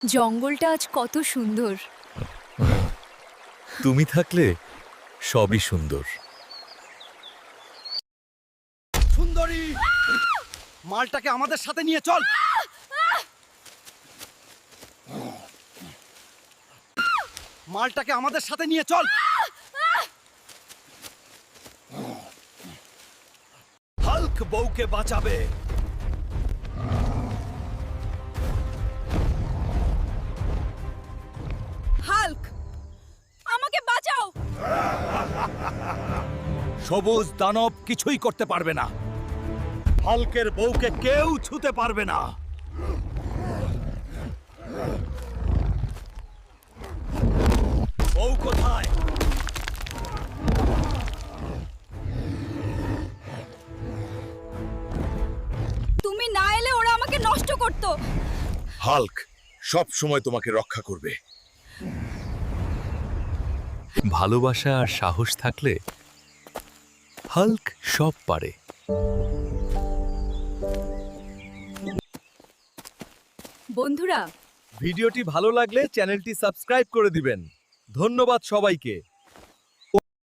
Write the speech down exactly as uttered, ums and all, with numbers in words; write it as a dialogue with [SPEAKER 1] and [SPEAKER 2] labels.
[SPEAKER 1] জঙ্গলটা আজ কত সুন্দর।
[SPEAKER 2] তুমি থাকলে সবই সুন্দর।
[SPEAKER 3] সুন্দরী, মালটাকে আমাদের সাথে নিয়ে চল। মালটাকে আমাদের সাথে নিয়ে চল। হাল্ক বউকে বাঁচাবে।
[SPEAKER 1] হাল্ক, আমাকে বাঁচাও।
[SPEAKER 3] সবুজ দানব কিছুই করতে পারবে না। হাল্কের বউকে কেউ ছুতে পারবে না। বউ কোথায়?
[SPEAKER 1] তুমি না এলে ওরা আমাকে নষ্ট করত।
[SPEAKER 2] হাল্ক সব সময় তোমাকে রক্ষা করবে। ভালোবাসা আর সাহস থাকলে হাল্ক সব পারে।
[SPEAKER 1] বন্ধুরা,
[SPEAKER 3] ভিডিওটি ভালো লাগলে চ্যানেলটি সাবস্ক্রাইব করে দিবেন। ধন্যবাদ সবাইকে।